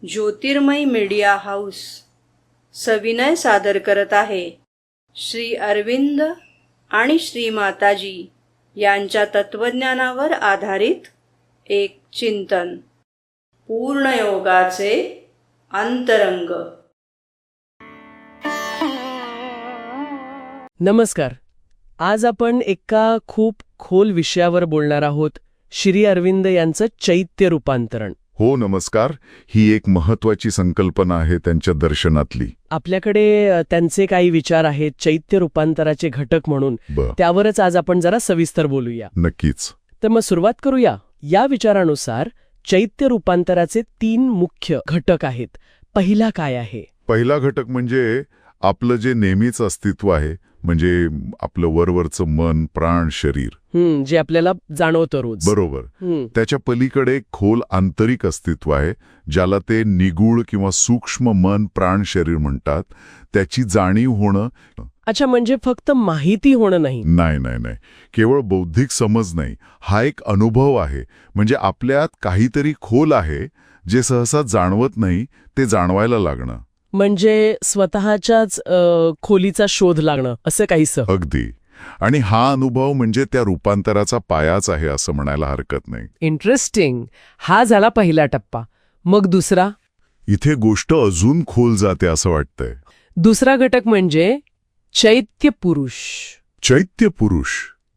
ज्योतिर्मय media house सविनय सादर करत आहे श्री अरविंद आणि श्री माताजी यांच्या तत्वज्ञानावर आधारित एक चिंतन, पूर्णयोगाचे अंतरंग. नमस्कार. आज आपण एका खूप खोल विषयावर बोलणार आहोत, श्री अरविंद यांचं चैत्य रूपांतरण. हो नमस्कार. ही एक महत्वाची संकल्पना आहे त्यांच्या दर्शनातली. आपल्याकडे त्यांचे काही विचार आहेत चैत्य रूपांतराचे घटक म्हणून. त्यावरच आज आपण जरा सविस्तर बोलूया. नक्कीच. तर मग सुरुवात करूया. या विचारानुसार चैत्य रूपांतराचे 3 मुख्य घटक आहेत. पहिला काय आहे? पहिला घटक म्हणजे आपलं जे नेहमीच अस्तित्व आहे, म्हणजे आपलं वरवरचं मन, प्राण, शरीर, जे आपल्याला जाणवतं रोज. बरोबर. त्याच्या पलीकडे एक खोल आंतरिक अस्तित्व आहे, ज्याला ते निगूढ किंवा सूक्ष्म मन, प्राण, शरीर म्हणतात. त्याची जाणीव होणं. अच्छा, म्हणजे फक्त माहिती होणं नाही. नाही. केवळ बौद्धिक समज नाही, हा एक अनुभव आहे. म्हणजे आपल्यात काहीतरी खोल आहे जे सहसा जाणवत नाही, ते जाणवायला लागणं. म्हणजे स्वतःच्याच खोलीचा शोध लागणं, असं काहीसं. अगदी. आणि हा अनुभव म्हणजे त्या रूपांतराचा पायाच आहे असं म्हणायला हरकत नाही. इंटरेस्टिंग. हा झाला पहिला टप्पा. मग दुसरा? इथे गोष्ट अजून खोल जाते असं वाटतंय. दुसरा घटक म्हणजे चैत्य पुरुष. चैत्य पुरुष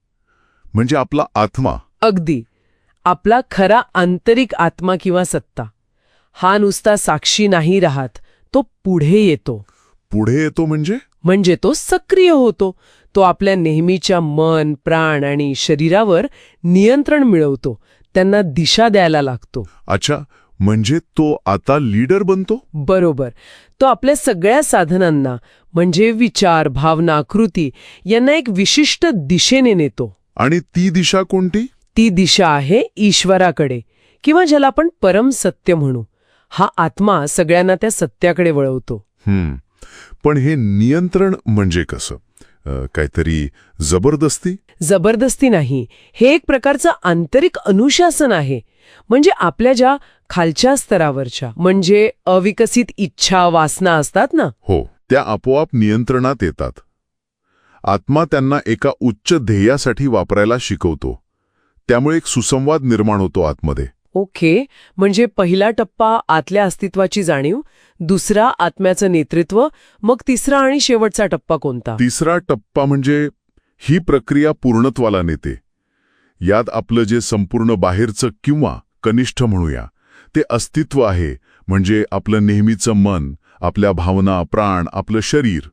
म्हणजे आपला आत्मा. अगदी. आपला खरा आंतरिक आत्मा किंवा सत्ता. हा नुसता साक्षी नाही राहत, तो पुढे येतो. पुढे येतो म्हणजे तो सक्रिय होतो. तो आपल्या नेहमीच्या मन, प्राण आणि शरीरावर नियंत्रण मिळवतो. त्यांना दिशा द्यायला लागतो. अच्छा, म्हणजे तो आता लीडर बनतो. बरोबर. तो आपल्या सगळ्या साधनांना, म्हणजे विचार, भावना, कृती यांना एक विशिष्ट दिशेने नेतो. आणि ती दिशा कोणती? ती दिशा आहे ईश्वराकडे, किंवा ज्याला आपण परम सत्य म्हणू. हा आत्मा सगळ्यांना त्या सत्याकडे वळवतो. पण हे नियंत्रण म्हणजे कसं? काहीतरी जबरदस्ती? जबरदस्ती नाही. हे एक प्रकारचं आंतरिक अनुशासन आहे. म्हणजे आपल्या ज्या खालच्या स्तरावरच्या, म्हणजे अविकसित इच्छा, वासना असतात ना, हो, त्या आपोआप नियंत्रणात येतात. आत्मा त्यांना एका उच्च ध्येयासाठी वापरायला शिकवतो. त्यामुळे एक सुसंवाद निर्माण होतो आतमध्ये. ओके. म्हणजे पहिला टप्पा आतल्या अस्तित्वाची जाणीव, दुसरा आत्म्याचं नेतृत्व, मग तिसरा आणि शेवटचा टप्पा कोणता? तिसरा टप्पा म्हणजे ही प्रक्रिया पूर्णत्वाला नेते. यात आपलं जे संपूर्ण बाहेरचं किंवा कनिष्ठ म्हणूया ते अस्तित्व आहे, म्हणजे आपलं नेहमीचं मन, आपल्या भावना, प्राण, आपलं शरीर,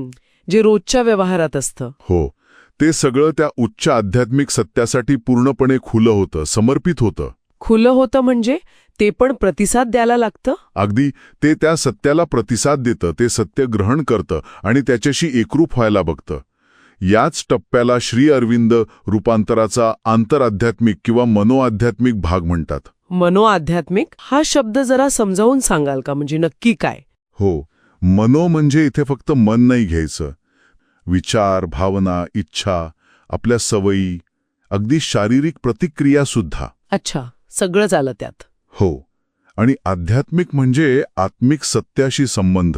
जे रोजच्या व्यवहारात असतं. हो, ते सगळं त्या उच्च आध्यात्मिक सत्यासाठी पूर्णपणे खुलं होतं, समर्पित होतं. खुलं होतं म्हणजे ते पण प्रतिसाद द्यायला लागतं. अगदी. ते त्या सत्याला प्रतिसाद देतं, ते सत्य ग्रहण करतं आणि त्याच्याशी एकरूप व्हायला बघतं. याच टप्प्याला श्री अरविंद रूपांतराचा आंतरआध्यात्मिक किंवा मनोआध्यात्मिक भाग म्हणतात. मनोआध्यात्मिक हा शब्द जरा समजावून सांगाल का? म्हणजे नक्की काय? हो, मनो म्हणजे इथे फक्त मन नाही घ्यायचं. विचार, भावना, इच्छा, आपल्या सवयी, अगदी शारीरिक प्रतिक्रिया सुद्धा. अच्छा, सगळंच आलं त्यात. हो. आणि आध्यात्मिक म्हणजे आत्मिक सत्याशी संबंध.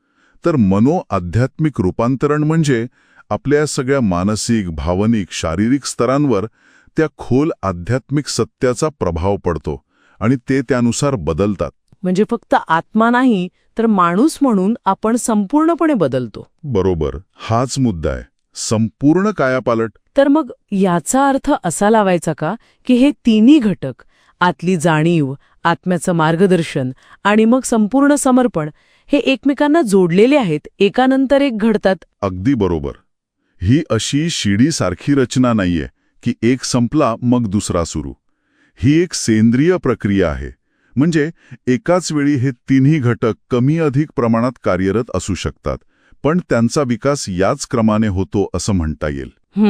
तर मनोआध्यात्मिक रूपांतरण म्हणजे आपल्या सगळ्या मानसिक, भावनिक, शारीरिक स्तरांवर त्या खोल आध्यात्मिक सत्याचा प्रभाव पडतो आणि ते त्यानुसार बदलतात. म्हणजे फक्त आत्मा नाही, तर माणूस म्हणून आपण संपूर्णपणे बदलतो. बरोबर. हाच मुद्दा आहे, संपूर्ण कायापालट. तर मग याचा अर्थ असा लावायचा का की हे तिन्ही घटक, आतली जाणीव, आत्म्याचं मार्गदर्शन आणि मग संपूर्ण समर्पण, हे एकमेकांना जोडलेले आहेत, एकानंतर एक घडतात? अगदी बरोबर. ही अशी शिडीसारखी रचना नाहीये की एक संपला मग दुसरा सुरू. ही एक सेंद्रिय प्रक्रिया आहे. म्हणजे एकाच वेळी हे तिन्ही घटक कमी अधिक प्रमाणात कार्यरत असू शकतात, पण त्यांचा विकास याच क्रमाने होतो असं म्हणता येईल.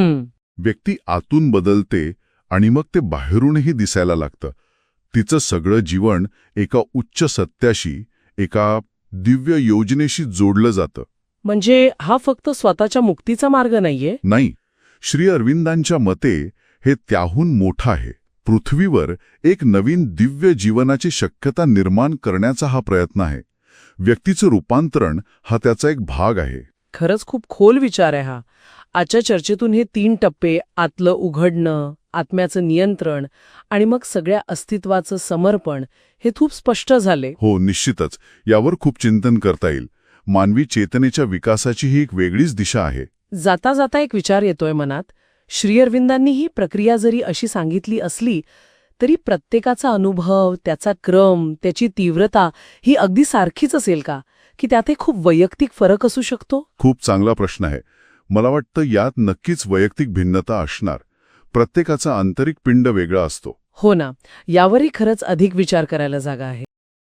व्यक्ती आतून बदलते आणि मग ते बाहेरूनही दिसायला लागतं. तिचं सगळं जीवन एका उच्च सत्याशी, एका दिव्य योजनेशी जोडलं जातं. म्हणजे हा फक्त स्वतःच्या मुक्तीचा मार्ग नाहीये? नाही. श्री अरविंदांच्या मते हे त्याहून मोठं आहे. पृथ्वीवर एक नवीन दिव्य जीवनाची शक्यता निर्माण करण्याचा हा प्रयत्न आहे. व्यक्तीचं रूपांतरण हा त्याचा एक भाग आहे. खरंच खूप खोल विचार आहे हा. आजच्या चर्चेतून हे 3 टप्पे, आतलं उघडणं, आत्म्याचं नियंत्रण आणि मग सगळ्या अस्तित्वाचं समर्पण, हे खूप स्पष्ट झाले. हो, निश्चितच. यावर खूप चिंतन करता येईल. मानवी चेतनेच्या विकासाची ही एक वेगळीच दिशा आहे. जाता जाता एक विचार येतोय मनात. श्री अरविंदांनी ही प्रक्रिया जरी अशी सांगितली असली तरी प्रत्येकाचा अनुभव, त्याचा क्रम, त्याची तीव्रता ही अगदी सारखीच असेल का, की त्यात खूप वैयक्तिक फरक असू शकतो? खूप चांगला प्रश्न आहे. मला वाटतं यात नक्कीच वैयक्तिक भिन्नता असणार. प्रत्येकाचा आंतरिक पिंड वेगळा असतो. हो ना, यावरही खरंच अधिक विचार करायला जागा आहे.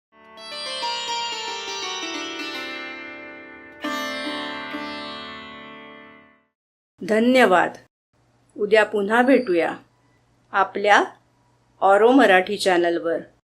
धन्यवाद. उद्या पुन्हा भेटूया आपल्या ऑरो मराठी चॅनलवर.